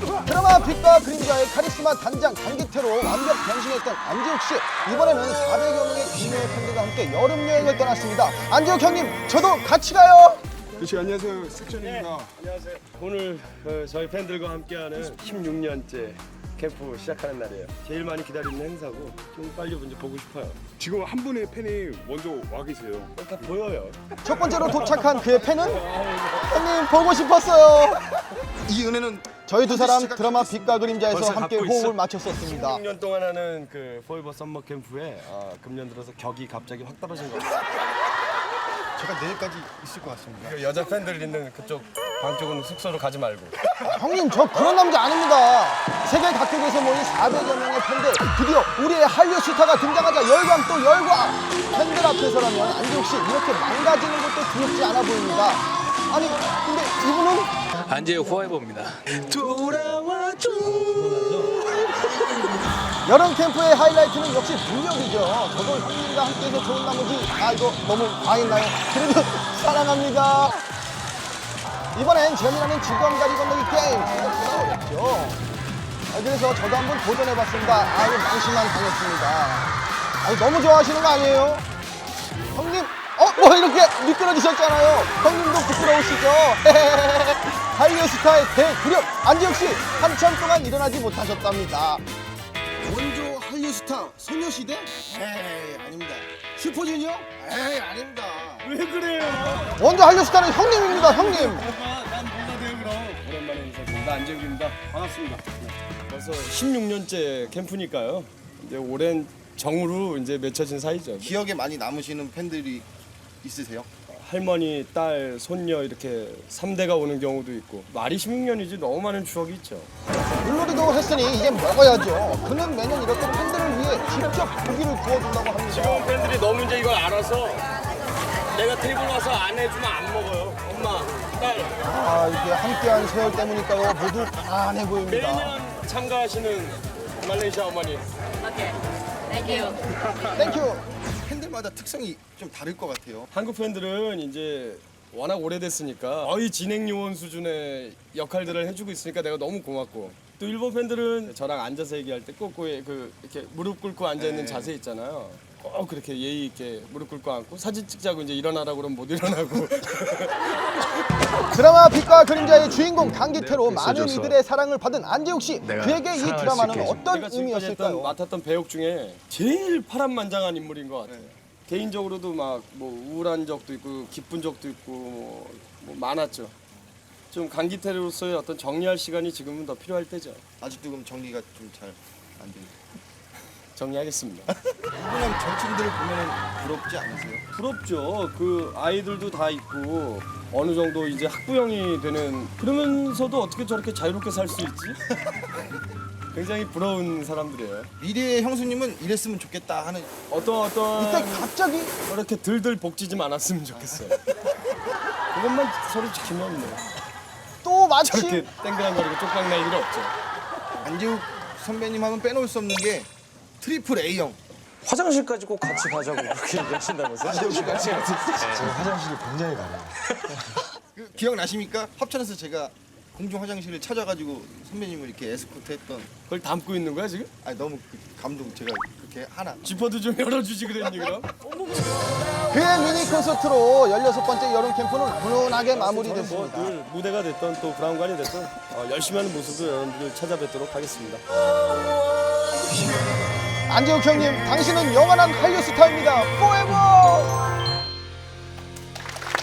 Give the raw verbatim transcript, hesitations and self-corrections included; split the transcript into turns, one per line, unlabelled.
드라마 빛과 그림자의 카리스마 단장 강기태로 완벽 변신했던 안지욱 씨, 이번에는 사백여 명의 국내의 팬들과 함께 여름 여행을 떠났습니다. 안지욱 형님, 저도 같이 가요.
그렇지, 안녕하세요. 색전입니다.
네, 안녕하세요. 오늘 어, 저희 팬들과 함께하는 십육 년째 캠프 시작하는 날이에요. 제일 많이 기다리는 행사고 좀 빨리 먼저 보고 싶어요.
지금 한 분의 팬이 먼저 와 계세요.
어, 다 보여요.
첫 번째로 도착한 그의 팬은 형님 보고 싶었어요.
이 은혜는
저희 두 사람 드라마 빛과 그림자에서
벌써
함께
갖고
호흡을
있어?
맞췄었습니다.
십육 년 동안 하는 그 포에버 썸머 캠프에 어, 금년 들어서 격이 갑자기 확 떨어진 것 같아요.
제가 내일까지 있을 것 같습니다.
그 여자 팬들 있는 그쪽 방 쪽은 숙소로 가지 말고.
형님, 저 그런 남자 아닙니다. 세계 각국에서 모인 사백여 명의 팬들, 드디어 우리의 한류 스타가 등장하자 열광 또 열광. 팬들 앞에서라면 안지욱 씨 이렇게 망가지는 것도 두렵지 않아 보입니다. 아니 근데 이분은
안지욱 포에버입니다.
여름 캠프의 하이라이트는 역시 능력이죠. 저도 형님과 함께해서 좋은 나머지 아 이거 너무 과했나요? 그래도 사랑합니다. 이번엔 재미나는 직원가리 건너기 게임 생각보다 어렵죠. 아, 그래서 저도 한번 도전해봤습니다. 아유 망신만 당했습니다. 아니 너무 좋아하시는 거 아니에요? 형님, 어? 뭐 이렇게 미끄러지셨잖아요. 형님도 부끄러우시죠? 한류 스타의 대구력 안지욱 씨 한참 동안 일어나지 못하셨답니다. 원조 한류 스타 소녀시대? 에이 아닙니다. 슈퍼주니어? 에이 아닙니다.
왜 그래요?
원조 한류 스타는 형님입니다. 형님.
난 뭐가 돼요 그럼? 오랜만에 인사드립니다. 안재욱입니다. 반갑습니다. 네. 벌써 십육 년째 캠프니까요. 이제 오랜 정으로 이제 맺혀진 사이죠.
기억에 많이 남으시는 팬들이 있으세요?
할머니, 딸, 손녀 이렇게 삼 대가 오는 경우도 있고 말이 십육 년이지 너무 많은 추억이 있죠.
물놀이도 했으니 이제 먹어야죠. 그는 매년 이렇게 팬들을 위해 직접 고기를 구워준다고 합니다.
지금 팬들이 너무 이제 이걸 알아서 내가 테이블 와서 안 해주면 안 먹어요. 엄마, 딸.
아 이게 함께한 세월 때문일까요? 모두 가난해 보입니다.
매년 참가하시는 말레이시아 어머니.
Okay, thank you.
땡큐.
팬들마다 특성이 좀 다를 것 같아요.
한국 팬들은 이제 워낙 오래됐으니까 거의 진행 요원 수준의 역할들을 해주고 있으니까 내가 너무 고맙고, 또 일본 팬들은 저랑 앉아서 얘기할 때 꼭 그 이렇게 무릎 꿇고 앉아 있는
네.
자세 있잖아요. 꼭 그렇게 예의 있게 무릎 꿇고 앉고 사진 찍자고 이제 일어나라고 그러면 못 일어나고.
드라마 빛과 그림자의 주인공 강기태로 많은 이들의 사랑을 받은 안지욱 씨. 그에게 이 드라마는 어떤
내가 지금까지 했던,
의미였을까요?
맡았던 배역 중에 제일 파란만장한 인물인 것 같아요. 개인적으로도 막 뭐 우울한 적도 있고 기쁜 적도 있고 뭐, 뭐 많았죠. 좀 강기태로서의 어떤 정리할 시간이 지금은 더 필요할 때죠.
아직도 그럼 정리가 좀 잘 안 돼요.
정리하겠습니다.
이분은 절친들을 보면 부럽지 않으세요?
부럽죠. 그 아이들도 다 있고 어느 정도 이제 학부형이 되는, 그러면서도 어떻게 저렇게 자유롭게 살 수 있지? 굉장히 부러운 사람들이에요.
미래의 형수님은 이랬으면 좋겠다 하는
어떤 어떤
이때 갑자기
저렇게 들들 볶지 좀 않았으면 좋겠어요. 그것만 서로 지키면 뭐
또 마침
저렇게 땡그랑거리고 쪽박 날 일은 없죠.
안재욱 선배님 하면 빼놓을 수 없는 게 트리플 A형.
화장실까지 꼭 같이 가자고 그렇게 얘기하신다면서요?
그 기억나십니까? 합천에서 제가 공중 화장실을 찾아가지고 선배님을 이렇게 에스코트했던.
그걸 담고 있는 거야 지금?
아니 너무 그 감동. 제가 그렇게 하나.
지퍼도 좀 열어주지 그랬니 그럼?
그의 미니 콘서트로 열여섯 번째 여름 캠프는 훈훈하게 마무리됐습니다.
늘 무대가 됐던 또 브라운관이 됐던 어, 열심히 하는 모습을 여러분들 찾아뵙도록 하겠습니다.
안지욱 형님, 당신은 영원한 한류 스타입니다. 포에버!